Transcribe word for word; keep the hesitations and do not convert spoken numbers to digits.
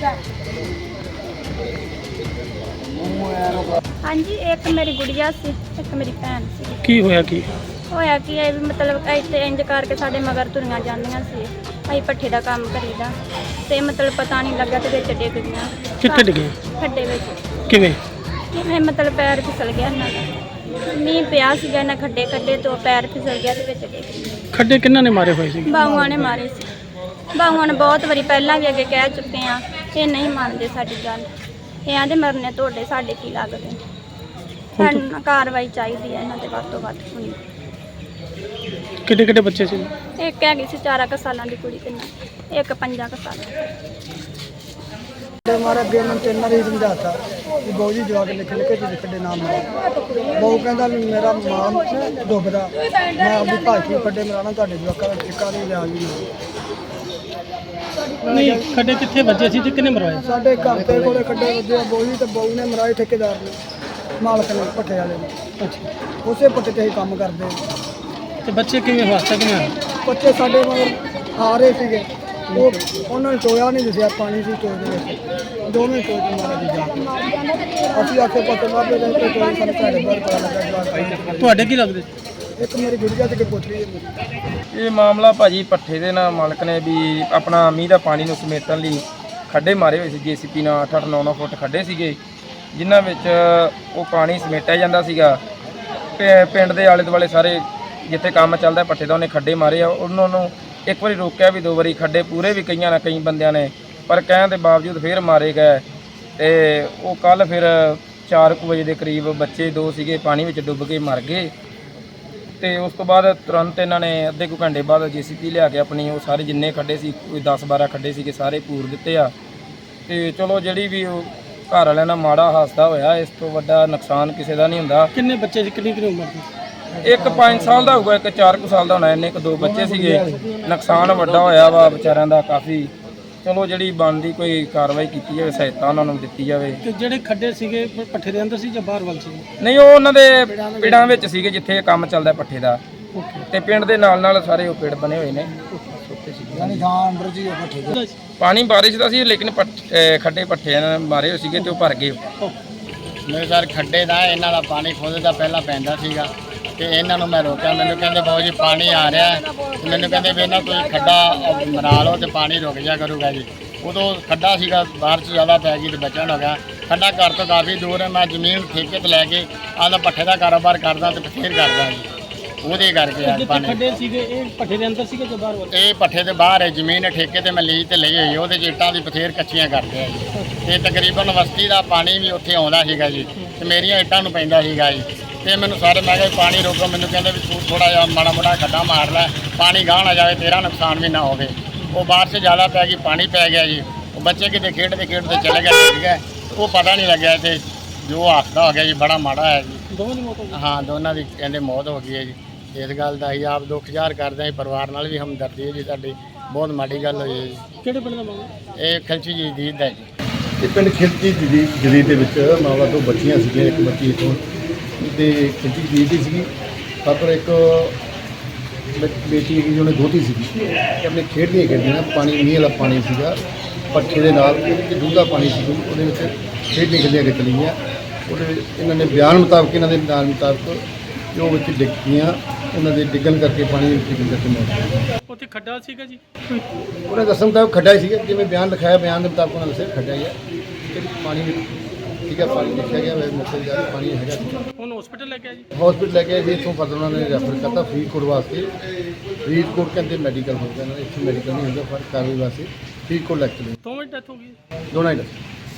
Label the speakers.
Speaker 1: हाँ जी, एक मेरी गुड़िया सी, एक मेरी भैन सी।
Speaker 2: की होया की
Speaker 1: होया कि ਇਹ ਵੀ ਮਤਲਬ ਇੱਥੇ ਇੰਜ ਕਰਕੇ ਸਾਡੇ ਮਗਰ ਤੁਰੀਆਂ ਜਾਂਦੀਆਂ ਸੀ। ਅਸੀਂ ਪੱਠੇ ਦਾ ਕੰਮ ਕਰੀਦਾ ਤੇ ਮਤਲਬ ਪਤਾ ਨਹੀਂ ਲੱਗਾ ਤੇ ਵਿੱਚ ਡਿੱਗ ਗਈਆਂ।
Speaker 2: ਕਿੱਥੇ ਡਿੱਗੇ?
Speaker 1: ਖੱਡੇ ਵਿੱਚ।
Speaker 2: ਕਿਵੇਂ?
Speaker 1: ਕਿਵੇਂ ਮਤਲਬ ਪੈਰ ਫਿਸਲ ਗਿਆ ਇਹਨਾਂ ਦਾ। ਮੀਂਹ ਪਿਆ ਸੀਗਾ, ਇਹਨਾਂ ਖੱਡੇ ਖੱਡੇ ਤੋਂ ਪੈਰ ਫਿਸਲ ਗਿਆ ਤੇ ਵਿੱਚ ਡਿੱਗ ਗਈ।
Speaker 2: ਖੱਡੇ ਕਿੰਨਾਂ ਨੇ ਮਾਰੇ ਹੋਏ ਸੀ?
Speaker 1: ਬਾਹੂਆਂ ਨੇ ਮਾਰੇ ਸੀ। ਬਾਹੂਆਂ ਨੇ ਬਹੁਤ ਵਾਰੀ ਪਹਿਲਾਂ ਵੀ ਅੱਗੇ ਕਹਿ ਚੁੱਕੇ ਆ, ਇਹ ਨਹੀਂ ਮੰਨਦੇ ਸਾਡੀ ਗੱਲ। ਇਹ ਆਂਦੇ ਮਰਨੇ ਤੁਹਾਡੇ, ਸਾਡੇ ਕੀ ਲੱਗਦੇ। ਸਾਨੂੰ ਕਾਰਵਾਈ ਚਾਹੀਦੀ ਹੈ ਇਹਨਾਂ ਦੇ ਵੱਧ ਤੋਂ ਵੱਧ ਹੋਣੀ।
Speaker 2: ਕਿੱਡੇ ਕਿੱਡੇ ਬੱਚੇ ਸੀ?
Speaker 1: ਇੱਕ ਹੈਗੀ ਸੀ ਚਾਰਾਂ ਕੁ ਸਾਲਾਂ ਦੀ ਕੁੜੀ ਤੇ ਨਾਲ ਇੱਕ ਪੰਜਾਂ ਕੁ ਸਾਲਾਂ ਦੀ।
Speaker 3: हमारे अगे उन्होंने तीन बार ही समझाता कि बहु जी जवाक लिख लिखे तो खड्डे नाम बहु कहता भी मेरा मां डुबदा, मैं अपनी भाषी खड्डे मराना तो जवाकों का टिक्का नहीं लिया जी।
Speaker 2: नहीं खड्डे कितने बच्चे सी ते किन्ने मरवाए?
Speaker 3: साढ़े घर के कोले खड्डे वजे बहु जी तो बहु ने मराए ठेकेदार ने, मालक ने भट्ठे वाले ने।
Speaker 2: अच्छा,
Speaker 3: उसे भट्ठे ते ही काम करते।
Speaker 2: तो बच्चे किवें हादसा किवें होया?
Speaker 3: बच्चे साढ़े मगर आ रहे थे, वो उन्होंने टोया नहीं दसिया, पानी से टोए के दोवें टोए के मारे दी जा। असीं आखे पत्ते मारते रहे तो टोए सानूं घाड़े बाहर पता लगा जवाक।
Speaker 2: ਤੁਹਾਡੇ ਕੀ ਲੱਗਦੇ?
Speaker 3: एक मेरी गुड़िया ते पोतरी है।
Speaker 4: ਇਹ ਮਾਮਲਾ ਭਾਜੀ ਪੱਠੇ ਦੇ ਨਾਲ ਮਾਲਕ ਨੇ ਵੀ ਆਪਣਾ ਮੀਂਹ ਦਾ ਪਾਣੀ ਨੂੰ ਸਮੇਟਣ ਲਈ ਖੱਡੇ ਮਾਰੇ ਹੋਏ ਸੀ। ਜੇਸੀਪੀ ਨਾਲ ਅੱਠ ਅੱਠ ਨੌ ਨੌ ਫੁੱਟ ਖੱਡੇ ਸੀਗੇ ਜਿਨ੍ਹਾਂ ਵਿੱਚ ਉਹ ਪਾਣੀ ਸਮੇਟਿਆ ਜਾਂਦਾ ਸੀਗਾ। ਪਿ- ਪਿੰਡ ਦੇ ਆਲੇ ਦੁਆਲੇ ਸਾਰੇ ਜਿੱਥੇ ਕੰਮ ਚੱਲਦਾ ਪੱਠੇ ਦਾ ਉਹਨੇ ਖੱਡੇ ਮਾਰੇ ਆ। ਉਹਨਾਂ ਨੂੰ ਇੱਕ ਵਾਰੀ ਰੋਕਿਆ ਵੀ, ਦੋ ਵਾਰੀ ਖੱਡੇ ਪੂਰੇ ਵੀ ਕਈਆਂ ਨਾ ਕਈ ਬੰਦਿਆਂ ਨੇ, ਪਰ ਕਹਿਣ ਦੇ ਬਾਵਜੂਦ ਫਿਰ ਮਾਰੇ ਗਏ। ਤੇ ਉਹ ਕੱਲ ਫਿਰ ਚਾਰ ਕੁ ਵਜੇ ਦੇ ਕਰੀਬ ਬੱਚੇ ਦੋ ਸੀਗੇ ਪਾਣੀ ਵਿੱਚ ਡੁੱਬ ਕੇ ਮਰ ਗਏ। ਤੇ ਉਸ ਤੋਂ ਬਾਅਦ ਤੁਰੰਤ ਇਹਨਾਂ ਨੇ ਅੱਧੇ ਕੁ ਘੰਟੇ ਬਾਅਦ ਜੇਸੀਪੀ ਲਿਆ ਕੇ ਆਪਣੀ ਉਹ ਸਾਰੇ ਜਿੰਨੇ ਖੱਡੇ ਸੀ, ਕੋਈ ਦਸ ਬਾਰਾਂ ਖੱਡੇ ਸੀਗੇ, ਸਾਰੇ ਪੂਰ ਦਿੱਤੇ ਆ। ਤੇ ਚਲੋ ਜਿਹੜੀ ਵੀ ਉਹ ਘਰ ਵਾਲਿਆਂ ਨਾਲ ਮਾੜਾ ਹਾਦਸਾ ਹੋਇਆ, ਇਸ ਤੋਂ ਵੱਡਾ ਨੁਕਸਾਨ ਕਿਸੇ ਦਾ ਨਹੀਂ ਹੁੰਦਾ।
Speaker 2: ਕਿੰਨੇ ਬੱਚੇ ਸੀ? ਕਿੰਨੀ ਕਿੰਨੀ ਉਮਰ ਦੇ?
Speaker 4: ਇੱਕ ਪੰਜ ਸਾਲ ਦਾ ਹੋਊਗਾ, ਇੱਕ ਚਾਰ ਕੁ ਸਾਲ ਦਾ ਹੋਣਾ। ਇੰਨੇ ਕੁ ਦੋ ਬੱਚੇ ਸੀਗੇ। ਨੁਕਸਾਨ ਵੱਡਾ ਹੋਇਆ ਵਾ ਵਿਚਾਰਿਆਂ ਦਾ ਕਾਫੀ। ਚਲੋ ਜਿਹੜੀ ਬਣਦੀ ਕੋਈ ਕਾਰਵਾਈ ਕੀਤੀ ਜਾਵੇ, ਸਹਾਇਤਾ ਉਹਨਾਂ ਨੂੰ ਦਿੱਤੀ ਜਾਵੇ।
Speaker 2: ਤੇ ਜਿਹੜੇ ਖੱਡੇ ਸੀਗੇ ਪੱਠੇ ਦੇ ਅੰਦਰ ਸੀ ਜਾਂ ਬਾਹਰ ਵੱਲ ਸੀ?
Speaker 4: ਨਹੀਂ, ਉਹ ਉਹਨਾਂ ਦੇ ਪਿੰਡਾਂ ਵਿੱਚ ਸੀਗੇ ਜਿੱਥੇ ਇਹ ਕੰਮ ਚੱਲਦਾ ਪੱਠੇ ਦਾ। ਤੇ ਪਿੰਡ ਦੇ ਨਾਲ ਨਾਲ ਸਾਰੇ ਉਹ ਪਿੰਡ ਬਣੇ ਹੋਏ ਨੇ।
Speaker 3: यानी गां अंदर जी भट्ठे
Speaker 4: ਪਾਣੀ ਬਾਰਿਸ਼ ਦਾ ਸੀ ਲੇਕਿਨ ਪੱਠ- ਅਹ ਖੱਡੇ ਪੱਠੇ ਨਾਲ ਮਾਰੇ ਹੋਏ ਸੀਗੇ ਤੇ ਉਹ ਭਰ ਗਏ।
Speaker 5: ਮੇਰੇ ਸਰ ਖੱਡੇ ਦਾ ਇਹਨਾਂ ਦਾ ਪਾਣੀ ਖੁਦ ਦਾ ਪਹਿਲਾਂ ਪੈਂਦਾ ਸੀਗਾ ਤੇ ਇਹਨਾਂ ਨੂੰ ਮੈਂ ਰੋਕਿਆ। ਮੈਨੂੰ ਕਹਿੰਦੇ ਬਾਊ ਜੀ ਪਾਣੀ ਆ ਰਿਹਾ ਹੈ। ਤੇ ਮੈਨੂੰ ਕਹਿੰਦੇ ਵੀ ਇਹਨਾਂ ਤੁਸੀਂ ਖੱਡਾ ਮਰਾ ਲਓ ਤੇ ਪਾਣੀ ਰੁਕ ਜਾ ਕਰੂਗਾ ਜੀ। ਉਦੋਂ ਖੱਡਾ ਸੀਗਾ, ਬਾਰਿਸ਼ ਜ਼ਿਆਦਾ ਪੈ ਗਈ ਤੇ ਬਚਣ ਹੋ ਗਿਆ। ਖੱਡਾ ਘਰ ਤੋਂ ਕਾਫੀ ਦੂਰ ਹੈ। ਮੈਂ ਜ਼ਮੀਨ ਠੇਕੇ ਤੇ ਲੈ ਕੇ ਆਪਦਾ ਪੱਠੇ ਦਾ ਕਾਰੋਬਾਰ ਕਰਦਾ ਤੇ ਬਥੇਰ ਕਰਦਾ ਜੀ। ਉਹਦੇ ਕਰਕੇ ਆ
Speaker 2: ਜਿੱਥੇ
Speaker 5: ਪਾਣੀ।
Speaker 2: ਖੱਡੇ ਸੀਗੇ ਇਹ ਪੱਠੇ ਦੇ ਅੰਦਰ ਸੀਗੇ ਜਾਂ ਬਾਹਰ ਵੱਲ?
Speaker 5: ਇਹ ਪੱਠੇ ਦੇ ਬਾਹਰ ਹੈ, ਜ਼ਮੀਨ ਠੇਕੇ ਤੇ ਮੈਂ ਲੀਜ਼ ਤੇ ਲਈ ਹੋਈ। ਉਹਦੇ 'ਚ ਇੱਟਾਂ ਦੀ ਬਥੇਰ ਕੱਚੀਆਂ ਕਰਦੇ ਆ ਜੀ। ਤੇ ਤਕਰੀਬਨ ਵਸਤੀ ਦਾ ਪਾਣੀ ਵੀ ਉੱਥੇ ਆਉਂਦਾ ਸੀਗਾ ਜੀ ਤੇ ਮੇਰੀਆਂ ਇੱਟਾਂ ਨੂੰ ਪੈਂਦਾ ਸੀਗਾ ਜੀ। ਤੇ ਮੈਨੂੰ ਸਾਰੇ ਮੈਂ ਕਿਹਾ ਪਾਣੀ ਰੋਕੋ। ਮੈਨੂੰ ਕਹਿੰਦੇ ਵੀ ਤੂੰ ਥੋੜਾ ਜਿਹਾ ਮਾੜਾ ਮੋਟਾ ਖੱਡਾ ਮਾਰ ਲੈ, ਪਾਣੀ ਗਾਹ ਨਾ ਜਾਵੇ, ਤੇਰਾ ਨੁਕਸਾਨ ਵੀ ਨਾ ਹੋਵੇ। ਉਹ ਬਾਰਿਸ਼ ਜ਼ਿਆਦਾ ਪੈ ਗਈ, ਪਾਣੀ ਪੈ ਗਿਆ ਜੀ। ਉਹ ਬੱਚੇ ਕਿਤੇ ਖੇਡਦੇ ਖੇਡਦੇ ਚਲੇ ਗਏ, ਠੀਕ ਹੈ। ਉਹ ਪਤਾ ਨਹੀਂ ਲੱਗਿਆ ਤੇ ਜੋ ਹਾਦਸਾ ਹੋ ਗਿਆ ਜੀ ਬੜਾ ਮਾੜਾ ਹੈ ਜੀ।
Speaker 2: ਦੋਵਾਂ ਦੀ ਮੌਤ ਹੋ ਗਈ?
Speaker 5: ਹਾਂ, ਦੋਨਾਂ ਦੀ ਕਹਿੰਦੇ ਮੌਤ ਹੋ ਗਈ ਹੈ ਜੀ। ਇਸ ਗੱਲ ਦਾ ਅਸੀਂ ਆਪ ਦੁੱਖ ਜ਼ਾਹਰ ਕਰਦੇ ਹਾਂ। ਪਰਿਵਾਰ ਨਾਲ ਵੀ ਹਮਦਰਦੀ ਹੈ ਜੀ ਸਾਡੀ। ਬਹੁਤ ਮਾੜੀ ਗੱਲ ਹੋਈ ਹੈ ਜੀ।
Speaker 2: ਕਿਹੜੇ ਪਿੰਡ ਦਾ ਮਾਮਲਾ?
Speaker 5: ਇਹ ਖਲਚੀ ਜੀ ਦੀ ਦਾ ਜੀ।
Speaker 6: ਇਹ ਪਿੰਡ ਖਿਲਚੀ ਜਦੀਦ ਜਦੀਦ ਦੇ ਵਿੱਚ ਮਾਵਾ ਦੋ ਬੱਚੀਆਂ ਸੀਗੀਆਂ। ਇੱਕ ਬੱਚੀ ਇੱਥੋਂ ਤੇ ਖਿਲਚੀ ਜਦੀਦ ਦੀ ਸੀਗੀ, ਪਰ ਇੱਕ ਬੇ- ਬੇਟੀ ਹੈਗੀ ਉਹਨੇ ਦੋਤੀ ਸੀਗੀ। ਤੇ ਆਪਣੇ ਖੇਡਦੀਆਂ ਖੇਡਦੀਆਂ ਪਾਣੀ ਮੀਂਹ ਵਾਲਾ ਪਾਣੀ ਸੀਗਾ ਪੱਠੇ ਦੇ ਨਾਲ, ਉਹਦੇ ਵਿੱਚ ਡੂੰਘਾ ਪਾਣੀ ਸੀ, ਉਹਦੇ ਵਿੱਚ ਖੇਡਦੀਆਂ ਖੇਡਦੀਆਂ ਕਿ ਚਲੀਆਂ। ਉਹਦੇ ਇਹਨਾਂ ਨੇ ਬਿਆਨ ਮੁਤਾਬਕ, ਇਹਨਾਂ ਦੇ ਬਿਆਨ ਮੁਤਾਬਕ ਜੋ ਵਿੱਚ ਡਿੱਗ ਗਈਆਂ, ਉਹਨਾਂ ਦੇ ਡਿੱਗਣ ਕਰਕੇ ਪਾਣੀ ਵਿੱਚ ਡਿੱਗਣ ਕਰਕੇ ਮੌਤ।
Speaker 2: ਉੱਥੇ ਖੱਡਾ ਸੀਗਾ ਜੀ?
Speaker 6: ਉਹਨੇ ਦੱਸਣ ਮੁਤਾਬਕ ਖੱਡਾ ਹੀ ਸੀਗਾ, ਜਿਵੇਂ ਬਿਆਨ ਲਿਖਾਇਆ ਬਿਆਨ ਦੇ ਮੁਤਾਬਕ ਉਹਨਾਂ ਦੱਸਿਆ ਖੱਡਾ ਹੀ ਆ। ਤੇ ਪਾਣੀ ਵਿੱਚ ਠੀਕ ਹੈ, ਪਾਣੀ ਦੇਖਿਆ ਗਿਆ ਵੈਸੇ ਮੌਕੇ ਜਾ ਕੇ ਪਾਣੀ ਹੈਗਾ ਸੀ।
Speaker 2: ਹੁਣ ਹਸਪੀਟਲ ਲੈ ਕੇ ਆਏ ਜੀ?
Speaker 6: ਹਸਪੀਟਲ ਲੈ ਕੇ ਆਏ ਜੀ। ਇੱਥੋਂ ਫਿਰ ਉਹਨਾਂ ਨੇ ਰੈਫਰ ਕਰਤਾ ਫਰੀਦਕੋਟ ਵਾਸਤੇ। ਫਰੀਦਕੋਟ ਕਹਿੰਦੇ ਮੈਡੀਕਲ ਹੋ ਗਿਆ, ਇਹਨਾਂ ਨੇ ਇੱਥੇ ਮੈਡੀਕਲ ਨਹੀਂ ਹੁੰਦਾ, ਪਰ ਕਾਰਵਾਈ ਵਾਸਤੇ ਫਰੀਦਕੋਟ ਲੈ ਕੇ ਚਲੇ।
Speaker 2: ਦੋਵਾਂ ਦੀ ਡੈਥ ਹੋ ਗਈ?
Speaker 6: ਦੋਨਾਂ ਹੀ ਦੱਸਿਆ।